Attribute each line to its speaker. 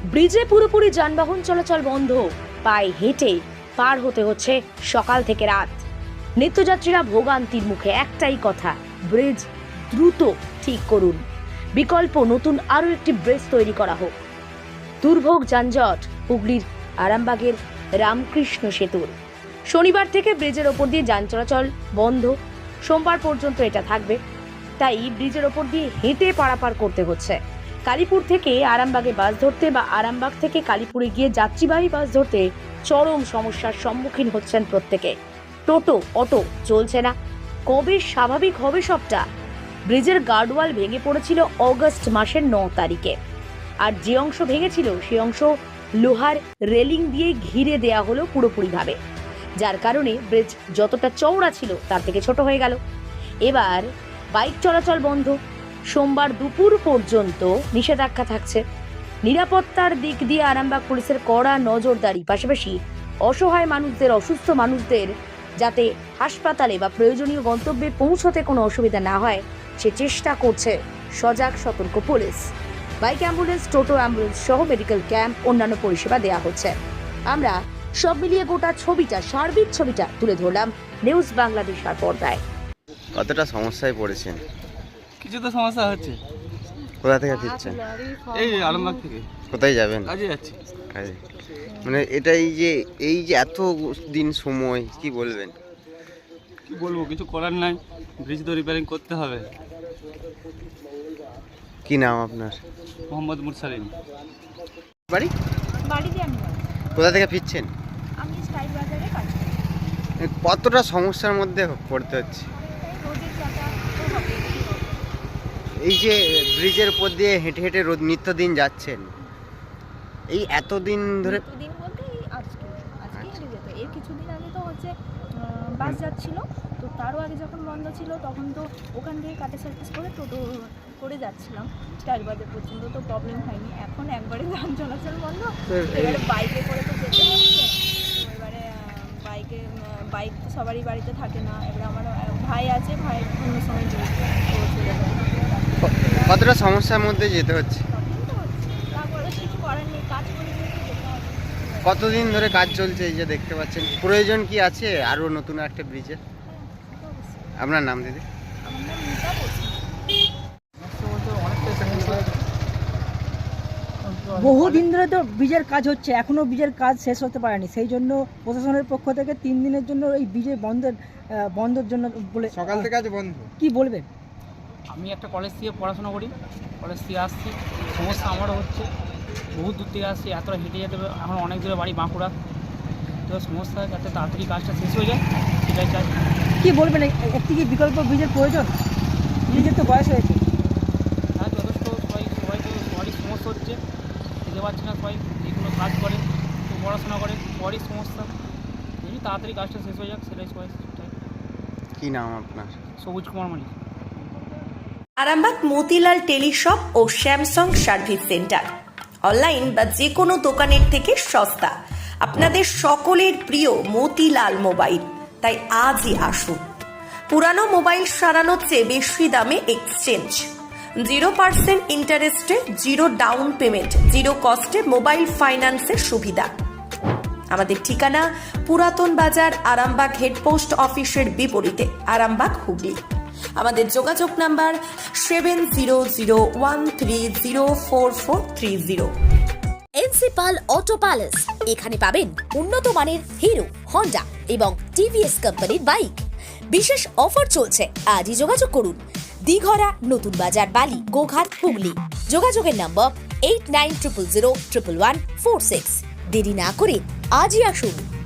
Speaker 1: ব্রিজে পুরোপুরি যানবাহন চলাচল বন্ধ, পায়ে হেঁটে পার হতে হচ্ছে সকাল থেকে রাত। নিত্যযাত্রীরা ভোগান্তির মুখে, একটাই কথা, ব্রিজ দ্রুত ঠিক করুন, বিকল্প নতুন আরও একটি ব্রিজ তৈরি করা হোক। দুর্ভোগ যানজট হুগলির আরামবাগের রামকৃষ্ণ সেতুর। শনিবার থেকে ব্রিজের ওপর দিয়ে যান চলাচল বন্ধ, সোমবার পর্যন্ত এটা থাকবে। তাই ব্রিজের ওপর দিয়ে হেঁটে পারাপার করতে হচ্ছে। কালীপুর থেকে আরামবাগে বাস ধরতে বা আরামবাগ থেকে কালীপুরে গিয়ে যাত্রীবাহী বাস ধরতে চরম সমস্যার সম্মুখীন হচ্ছেন প্রত্যেকে। টোটো অটো চলছে না। কবে স্বাভাবিক হবে সবটা? ব্রিজের গার্ডওয়াল ভেঙে পড়েছিল অগস্ট মাসের 9 তারিখে, আর যে অংশ ভেঙেছিল সেই অংশ লোহার রেলিং দিয়ে ঘিরে দেয়া হলো পুরোপুরিভাবে, যার কারণে ব্রিজ যতটা চওড়া ছিল তার থেকে ছোট হয়ে গেল। এবার বাইক চলাচল বন্ধ, সোমবার দুপুর পর্যন্ত নিষেধাজ্ঞা থাকছে। নিরাপত্তার দিক দিয়ে আরামবাগ পুলিশের কড়া নজরদারি, পাশাপাশি অসহায় মানুষদের, অসুস্থ মানুষদের যাতে হাসপাতালে বা প্রয়োজনীয় গন্তব্যে পৌঁছতে কোনো অসুবিধা না হয় সে চেষ্টা করছে সজাগ সতর্ক police. Bike ambulance, toto ambulance সহ মেডিকেল ক্যাম্প, অন্যান্য পরিষেবা দেওয়া হচ্ছে। আমরা সব মিলিয়ে গোটা ছবিটা, সার্বিক ছবিটা তুলে ধরলাম নিউজ বাংলাদেশের পর্দায়।
Speaker 2: কতটা সমস্যায় পড়েছেন?
Speaker 3: কিছু তো সমস্যা হচ্ছে।
Speaker 2: কোথা থেকে ফিরছেন?
Speaker 3: এই আলমবাগ থেকে।
Speaker 2: কোথায় যাবেন?
Speaker 3: কাজে যাচ্ছি।
Speaker 2: কাজে। মানে এটাই যে এই যে এত দিন সময়, কি বলবেন?
Speaker 3: কি বলবো, কিছু করার নাই, ব্রিজ তো রিপেয়ারিং করতে হবে।
Speaker 2: কি নাম আপনার?
Speaker 3: মোহাম্মদ মুরসালিম।
Speaker 2: বাড়ি?
Speaker 4: বাড়িতে আমি না।
Speaker 2: কোথা থেকে ফিরছেন?
Speaker 4: আমি স্টাইল বাজারে কাজ করি।
Speaker 2: কতটা সমস্যার মধ্যে পড়তে হচ্ছে?
Speaker 4: তাই রোদের যাতায়াত তো হবেই।
Speaker 2: এই যে ব্রিজের উপর দিয়ে হেঁটে হেঁটে রোজ নিত্যদিন যাচ্ছেন, এই এতদিন ধরে
Speaker 4: দিন বলতে এই আজকে হেঁটে যেত। এর কিছুদিন আগে তো হচ্ছে বাস যাচ্ছিল, তো তারও আগে যখন বন্ধ ছিল তখন তো ওখান থেকে কাটে সার্ভিস করে টোটো করে যাচ্ছিলাম স্টাইল বাজার পর্যন্ত, তো প্রবলেম হয়নি। এখন একবারে যান চলাচল বন্ধ, এবারে বাইকে করে তো যেতে হচ্ছে। তো এবারে বাইক তো সবারই বাড়িতে থাকে না। এবারে আমার ভাই আছে, ভাই অন্য সময় চলে যায়।
Speaker 2: কতটা সমস্যার মধ্যে যেতে হচ্ছে?
Speaker 4: প্রবলেম তো হচ্ছে, তারপরে কিছু করার নেই, কাজ করে যেতে যেতে হবে।
Speaker 2: কতদিন ধরে কাজ চলছে এই যে দেখতে পাচ্ছেন? প্রয়োজন কি আছে আরো নতুন একটা ব্রিজের?
Speaker 4: তো অবশ্যই।
Speaker 2: আপনার নাম দিদি?
Speaker 4: আমার নাম মিতা বলছি।
Speaker 5: বহুদিন ধরে তো ব্রিজের কাজ হচ্ছে, এখনো ব্রিজের কাজ শেষ হতে পারেনি। সেই জন্য প্রশাসনের পক্ষ থেকে 3 দিনের জন্য এই ব্রিজের বন্ধের জন্য বলে
Speaker 6: সকাল থেকে আজ বন্ধ।
Speaker 5: কি বলবেন?
Speaker 7: আমি একটা কলেজ থেকে পড়াশোনা করি, কলেজ থেকে আসছি, সমস্যা আমারও হচ্ছে। বহু দূর থেকে আসছি, এতটা হেঁটে যেতে হবে। এখন অনেক দূরে বাড়ি বাঁকুড়া, তো সমস্যা যাতে তাড়াতাড়ি কাজটা শেষ হয়ে যায় সেটাই চাই।
Speaker 5: কি বলবেন, একটি কি বিকল্প ব্রিজের প্রয়োজন? ব্রিজের তো বয়স হয়েছে।
Speaker 7: হ্যাঁ, যথেষ্ট সবারই সমস্যা হচ্ছে, খেতে পারছে না সবাই, যে কোনো কাজ করে, কেউ পড়াশোনা করে, সবারই সমস্যা। যদি তাড়াতাড়ি কাজটা শেষ হয়ে যাক সেটাই সবাই চাই।
Speaker 2: কি নাম আপনার?
Speaker 7: সবুজ কুমার মালিক।
Speaker 8: আরামবাগ মতিলাল টেলিশপ ও স্যামসাং সার্ভিস সেন্টার, অনলাইন বা যে কোনো দোকানের থেকে সস্তা। আপনাদের সকলের প্রিয় মতিলাল মোবাইল, তাই আজই আসুন। পুরানো মোবাইল সারানোর চেয়ে বেশি দামে এক্সচেঞ্জ, 0% ইন্টারেস্টে, 0 ডাউন পেমেন্ট, 0 কস্টে মোবাইল ফাইন্যান্সের সুবিধা। আমাদের ঠিকানা পুরাতন বাজার, আরামবাগ হেডপোস্ট অফিসের বিপরীতে, আরামবাগ, হুগলি। আমাদের যোগাযোগ নাম্বার 7001304430।
Speaker 9: এনসিপাল অটো প্যালেস, এখানে পাবেন উন্নত মানের হিরো, হন্ডা এবং টিভিএস কোম্পানির বাইক। বিশেষ অফার চলছে, আজই যোগাযোগ করুন। দিঘরা, নতুন বাজার, বালি, গোঘাট, হুগলি। যোগাযোগের নম্বর 8900011146। দেরি না করে আজই আসুন।